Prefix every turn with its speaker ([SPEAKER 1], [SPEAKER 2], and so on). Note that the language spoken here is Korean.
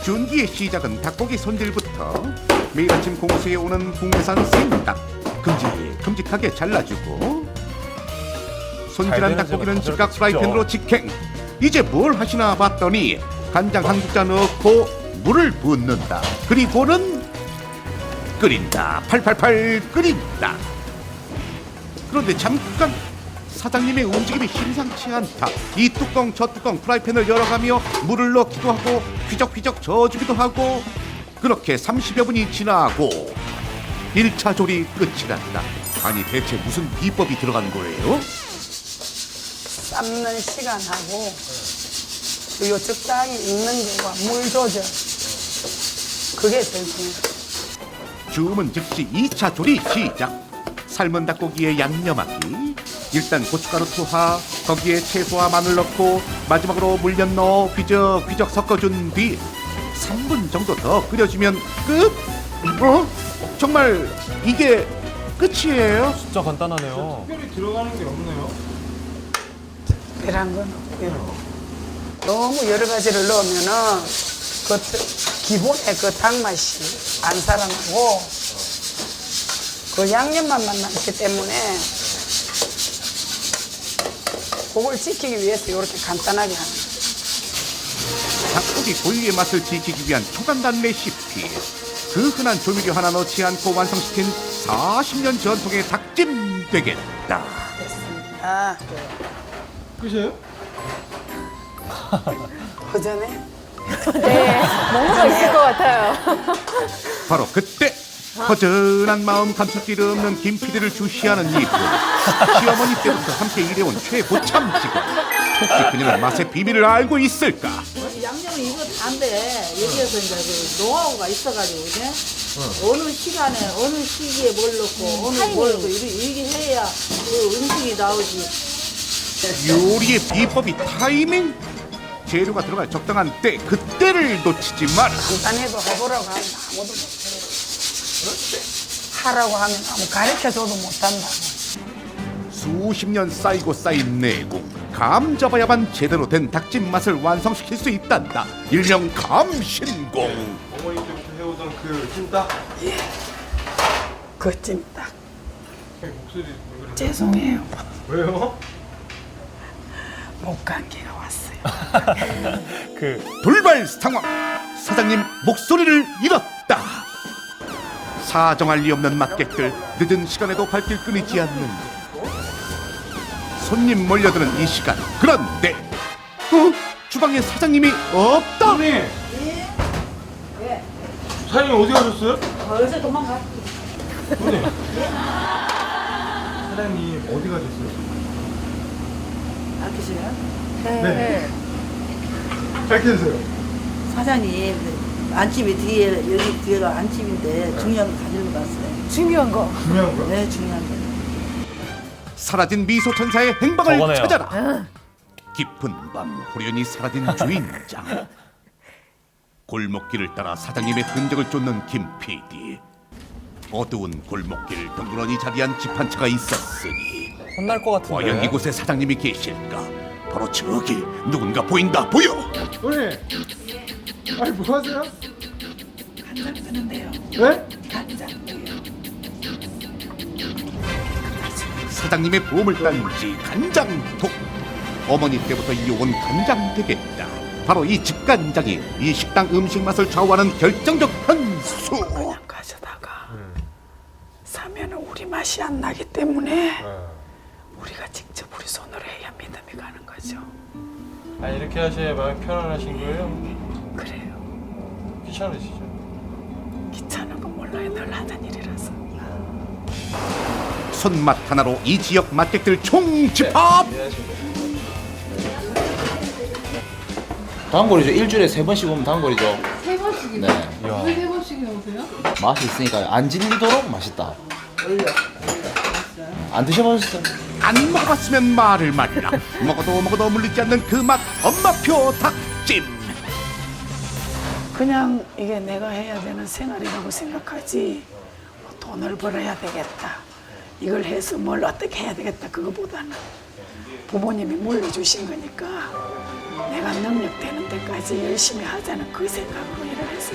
[SPEAKER 1] 준기의 시작은 닭고기 손질부터. 매일 아침 공수에 오는 국내산 생닭 큼직하게 잘라주고 손질한 닭고기는 즉각 프라이팬으로 직행. 이제 뭘 하시나 봤더니 간장 한 국자 넣고 물을 붓는다. 그리고는 끓인다. 팔팔팔 끓인다. 그런데 잠깐 사장님의 움직임이 심상치 않다. 이 뚜껑 저 뚜껑 프라이팬을 열어가며 물을 넣기도 하고 휘적휘적 저어주기도 하고 그렇게 30여 분이 지나고 1차 조리 끝이 났다. 아니 대체 무슨 비법이 들어간 거예요?
[SPEAKER 2] 삶는 시간하고 그리고 적당히 익는 거와 물 조절 그게 제일 중요해요.
[SPEAKER 1] 주문 즉시 2차 조리 시작. 삶은 닭고기에 양념하기. 일단 고춧가루 투하, 거기에 채소와 마늘 넣고 마지막으로 물엿 넣어 휘적휘적 섞어준 뒤 3분 정도 더 끓여주면 끝? 정말 이게 끝이에요?
[SPEAKER 3] 진짜 간단하네요.
[SPEAKER 4] 특별히 들어가는 게 없네요.
[SPEAKER 2] 특별한 건 없고요. 너무 여러 가지를 넣으면은 그 기본의 그 닭맛이 안 살아나고 그 양념만 남기 때문에 그걸 지키기 위해서 이렇게 간단하게 하는 거예요.
[SPEAKER 1] 닭고기 고유의 맛을 지키기 위한 초간단 레시피. 그 흔한 조미료 하나 넣지 않고 완성시킨 40년 전통의 닭찜 되겠다.
[SPEAKER 2] 됐습니다.
[SPEAKER 4] 끝이에요?
[SPEAKER 2] 그 전에
[SPEAKER 5] 네, 뭔가 있을 것 같아요.
[SPEAKER 1] 바로 그때 허전한 마음 감출 길 없는 김 PD를 주시하는 이분. 시어머니 때부터 함께 일해온 최고참 직원. 혹시 그녀는 맛의 비밀을 알고 있을까?
[SPEAKER 6] 양념은 이거 다인데 여기에서 이제 그 노하우가 있어가지고 그죠? 어느 시간에 어느 시기에 뭘 넣고 어느 뭘 넣고 이렇게 해야 그 음식이 나오지.
[SPEAKER 1] 요리의 비법이 타이밍? 재료가 들어갈 적당한 때 그때를 놓치지 마라.
[SPEAKER 2] 간단해도 해보라고 하면 아무도 못해요. 하라고 하면 아무 가르쳐줘도 못한다고.
[SPEAKER 1] 수십 년 쌓이고 쌓인 내공. 감 잡아야만 제대로 된 닭찜 맛을 완성시킬 수 있단다. 일명 감신공.
[SPEAKER 4] 어머니 때부터 해오던 그 찜닭.
[SPEAKER 2] 그 찜닭.
[SPEAKER 4] 목소리 왜 그래?
[SPEAKER 2] 죄송해요.
[SPEAKER 4] 왜요?
[SPEAKER 2] 목감기가 왔어요.
[SPEAKER 1] 돌발 상황. 사장님 목소리를 잃었다. 사정할 리 없는 맛객들. 늦은 시간에도 발길 끊이지 않는데 손님 몰려드는 이 시간. 그런데 주방에 사장님이 없다.
[SPEAKER 4] 사장님! 사장님 어디 가셨어요?
[SPEAKER 6] 어디서 도망가?
[SPEAKER 4] 사장님. 사장님 어디 가셨어요?
[SPEAKER 6] 아끼세요?
[SPEAKER 4] 네. 밝혀주세요.
[SPEAKER 6] 사장님 안집이 뒤에 여기 뒤에가 안집인데 중요한 거 가지고 갔어요.
[SPEAKER 5] 중요한 거.
[SPEAKER 4] 중요한 거요?
[SPEAKER 6] 네 중요한 거.
[SPEAKER 1] 사라진 미소 천사의 행방을
[SPEAKER 3] 저거네요.
[SPEAKER 1] 찾아라. 깊은 밤 호련히 사라진 주인장. 골목길을 따라 사장님의 흔적을 쫓는 김 PD. 어두운 골목길 덩그러니 자리한 집 한 채가 있었으니
[SPEAKER 3] 혼날 것
[SPEAKER 1] 과연
[SPEAKER 3] 같은데.
[SPEAKER 1] 이곳에 사장님이 계실까? 바로 저기 누군가 보인다. 보여.
[SPEAKER 4] 사장님! 아니 뭐 하세요?
[SPEAKER 2] 간장 뜨는데요.
[SPEAKER 4] 네?
[SPEAKER 2] 간장도요.
[SPEAKER 1] 사장님의 보험을 딴지 간장통. 어머니 때부터 이어온 간장 되겠다. 바로 이 집간장이 이 식당 음식 맛을 좌우하는 결정적 한수.
[SPEAKER 2] 그냥 가져다가 사면은 우리 맛이 안 나기 때문에 우리가 직접 우리 손으로 해야 믿음이 가는 거죠.
[SPEAKER 4] 아 이렇게 하셔야 마음 편안하신 거예요?
[SPEAKER 2] 그래요.
[SPEAKER 4] 귀찮으시죠?
[SPEAKER 2] 귀찮은 건 몰라요. 늘 하던 일이라서.
[SPEAKER 1] 손맛 하나로 이 지역 맛객들 총집합.
[SPEAKER 7] 단골이죠. 일주일에 3번씩 오면 단골이죠.
[SPEAKER 8] 3번씩이요?
[SPEAKER 7] 네.
[SPEAKER 8] 왜 3번씩이나 오세요?
[SPEAKER 7] 맛이 있으니까 안 질리도록 맛있다. 안 드셔보셨어요?
[SPEAKER 1] 안 먹어봤으면 말을 말라. 먹어도 물리지 않는 그 맛. 엄마표 닭찜.
[SPEAKER 2] 그냥 이게 내가 해야 되는 생활이라고 생각하지 뭐 돈을 벌어야 되겠다. 이걸 해서 뭘 어떻게 해야 되겠다. 그거보다는 부모님이 물려주신 거니까 내가 능력 되는 데까지 내가 이제 열심히 하자는 그 생각으로 일을 했어요.